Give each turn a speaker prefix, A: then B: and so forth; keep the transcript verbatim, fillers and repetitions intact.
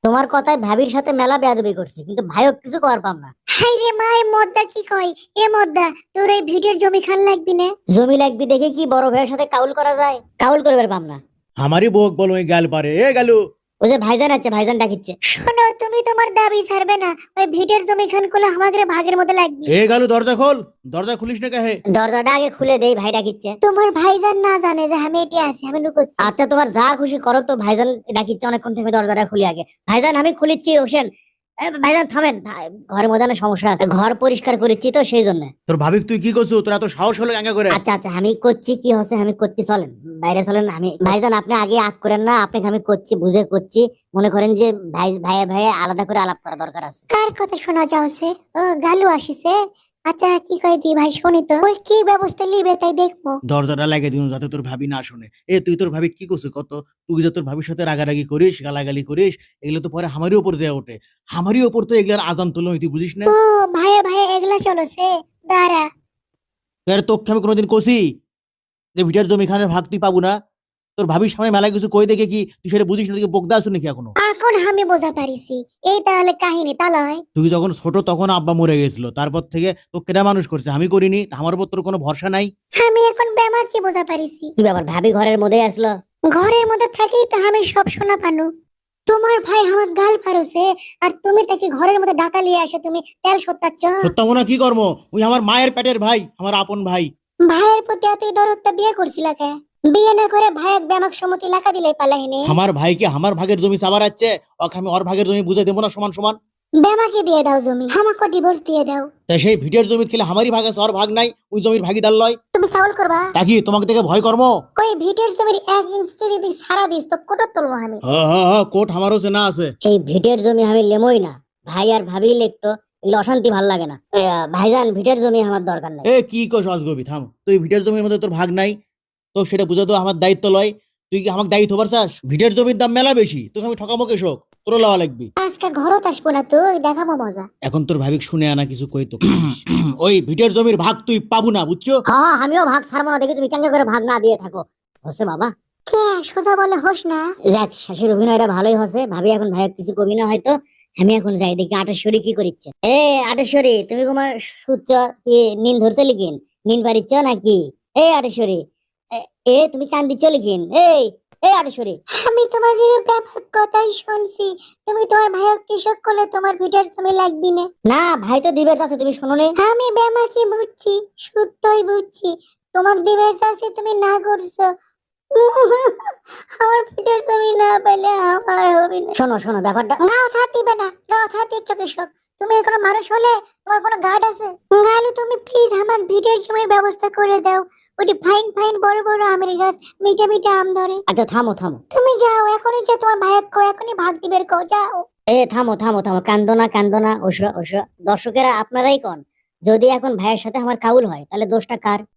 A: তোমার কথায় ভাবির সাথে মেলা বেয়াদবি করছে, কিন্তু ভাইও কিছু করার পাম না।
B: হাই রে মা, এ মদ্দা কি কয়? এ মদ্দা, তোর এই ভিডিওর জমি খান লাগবি না?
A: জমি লাগবি দেখে কি বড় ভাইয়ের সাথে কাউল করা যায়? কাউল করবার পাম না।
C: हमारी बोक बोलो ये गाल पारे ए गालू।
A: ওই যে ভাইজান আছে, ভাইজান ডাকিচ্ছে।
B: শোনো, তুমি তোমার দাবি ছাড়বে না। ওই ভিডিওর জমি খান করলে আমাদের ভাগের মধ্যে লাগবে।
C: ए गालू दरजा खोल, दरजा खुलिस ना कहे।
A: দরজাটা আগে খুলে দেই, ভাই ডাকিচ্ছে।
B: তোমার ভাইজান না জানে যে আমি এটি আছি, আমি লুকোচ্ছি।
A: আচ্ছা তোমার যা খুশি করো তো, ভাইজান ডাকিচ্ছে অনেকক্ষণ থেকে, দরজাটা খুলি আগে। ভাইজান আমি খুলিচ্ছি হোসেন। এ, ভাইজান থামেন, ভা- ঘরের মধ্যে না সমস্যা আছে, ঘর পরিষ্কার করেছি তো সেই জন্য।
C: তোর ভাবি তুই কি করছু? তোরা তো সাহস হলো এঙ্গা করে।
A: আচ্ছা আচ্ছা আমি করছি, কি হচ্ছে আমি করছি, চলেন বাইরে চলেন। আমি ভাইজান আপনি আগে আগ করেন না, আপনাকে আমি করছি বুঝে করছি। মনে করেন যে ভাই ভাইয়ে ভাইয়ে আলাদা করে আলাপ করা দরকার আছে।
B: কার কথা শোনা যাচ্ছে? ও গালু আসিছে। আচ্ছা কি কয় দি ভাই, শুনি তো। ওই কি ব্যবস্থা লিবে তাই দেখবো।
C: দরজাটা লাগিয়ে দিন যাতে তোর ভাবি না শুনে। এ তুই তোর ভাবি কি করছিস কত? তুই যে তোর ভাবির সাথে রাগারাগি করিস, গালাগালি করিস, এগুলো তো পরে আমারই উপর যায় ওঠে। আমারই উপর তো এগুলার আজান তুলো, তুই বুঝিস না?
B: ও ভাইয়া ভাইয়া এগুলা চলছে, দাঁড়া।
C: এর তোকে আমি কোনোদিন কষি যে ভিটার জমি খানের ভাগ তুই পাবো না? তোর ভাবির সামনে মেলায় কিছু কই দেখে কি তুই সেটা বুঝিস না? তুই বকদা আসু নাকি এখনো?
B: এখন আমি বোঝা পারিছি। এই তাহলে কাহিনী তালয়।
C: তুই যখন ছোট তখন আব্বা মরে গেছিল, তারপর থেকে তোকে কেনা মানুষ করছে, আমি করিনি। তা আমার উপর তোর কোনো ভরসা নাই?
B: আমি এখন বেমা কি বোঝা পারিছি।
A: কি ব্যাপার, ভাবি ঘরের মধ্যে আসলো?
B: ঘরের মধ্যে থাকেই তো আমি সব শোনা পানু। তোমার ভাই আমার গাল পারছে, আর তুমি তাকে ঘরের মধ্যে ডাকা লিয়ে আসে তুমি তেল সত্যাচ্ছ।
C: সত্যমনা কি কর্ম? ওই আমার মায়ের পেটের ভাই, আমার আপন ভাই।
B: ভাইয়ের প্রতি এতই দরদটা বিয়ে করছিল কে? বিয়ে না করে ভাইয়ের ব্যামাক সম্মতি লেখা দিলেই পালাহিনি।
C: আমার ভাইকে আমার ভাগের জমি চাবার আছে, ওকে আমি ওর ভাগের জমি বুঝে দেবো না সমান সমান?
B: ব্যামাকে দিয়ে দাও জমি, আমাকে ডিভোর্স দিয়ে দাও।
C: তাই সেই ভিডিওর জমি খেলে আমারই ভাগ আছে, ওর ভাগ নাই। ওই জমির ভাগিদার লয়।
B: তুমি চাউল করবা?
C: তা কি তোমাকে দেখে ভয় কর্ম?
B: ওই ভিটের জমির এক ইঞ্চি যদি সারা দিস তো কোটর তুলবো আমি।
C: হ হ হ, কোট আমারও সে না আছে।
A: এই ভিটের জমি আমি লেমই না, ভাই আর ভাবি লিখতো, এগুলো অশান্তি ভাল লাগে না। এ, ভাইজান ভিটের জমি আমার দরকার নাই।
C: এ কি কস অজগবি, থাম। তুই ভিডিওর জমির মধ্যে তোর ভাগ নাই, তো সেটা বুঝে তো আমার দায়িত্ব লয়। তুই কি আমাকে দায়িত্ব হবার চাস? ভিডিওর জমির দাম মেলা বেশি, তোকে আমি ঠকামো কেশক? তোরও লওয়া লাগবি।
B: আজকে ঘরত আসবো না, তুই দেখাবো মজা।
C: এখন তোর ভাবিক শুনে আনা কিছু কই তো। ওই ভিডিওর জমির ভাগ তুই পাবো না, বুঝছো?
A: হ্যাঁ হ্যাঁ, আমিও ভাগ ছাড়বো না, দেখি তুমি কেঙ্গা করে ভাগ না দিয়ে থাকো। হচ্ছে বাবা,
B: কে সোজা বলে হোস না।
A: যাক শাশুর অভিনয়টা ভালোই হচ্ছে। ভাবি এখন ভাই কিছু কবি না হয়তো। আমি এখন যাই দেখি আটেশ্বরী কি করিচ্ছে। এ আটেশ্বরী, তুমি তোমার সুচ্চ কি নিন ধরছে লিখিন? নিন পারিচ্ছ নাকি? এই আটেশ্বরী, এ- এ তুমি কান দিচ্ছ লিখিন? এই এই আটেশ্বরী,
B: আমি তোমাদের ব্যাপক কথাই শুনছি। তুমি তোমার ভাইয়ের কৃষক করলে তোমার ভিটের জমি লাগবি না।
A: না ভাই তো দিবে চাচ্ছে, তুমি শোনো নি?
B: আমি ব্যামাকে বুঝছি, শুদ্ধই বুঝছি। তোমাকে দিবে চাচ্ছি, তুমি না করছো। আমার ভিটের জমি না পেলে আমার হবে না।
A: শোনো শোনো ব্যাপারটা।
B: গাও থাকবে না, গাও থাকতে কৃষক। তুমি কোনো মানুষ হলে তোমার কোনো গার্ড আছে? গালু তুমি প্লিজ আমার ভিটের জমির ব্যবস্থা করে দাও। ওটি ফাইন ফাইন বড় বড় আমের গাছ, মিঠা মিঠা আম ধরে।
A: আচ্ছা থামো থামো,
B: তুমি যাও এখনই, যে তোমার ভাইয়ের কো এখনই ভাগ দিবের কো, যাও।
A: এ থামো থামো থামো, কান্দো না কান্দো না। ওসো ওসো, দর্শকেরা আপনারাই কন, যদি এখন ভাইয়ের সাথে আমার কাউল হয় তাহলে দোষটা কার?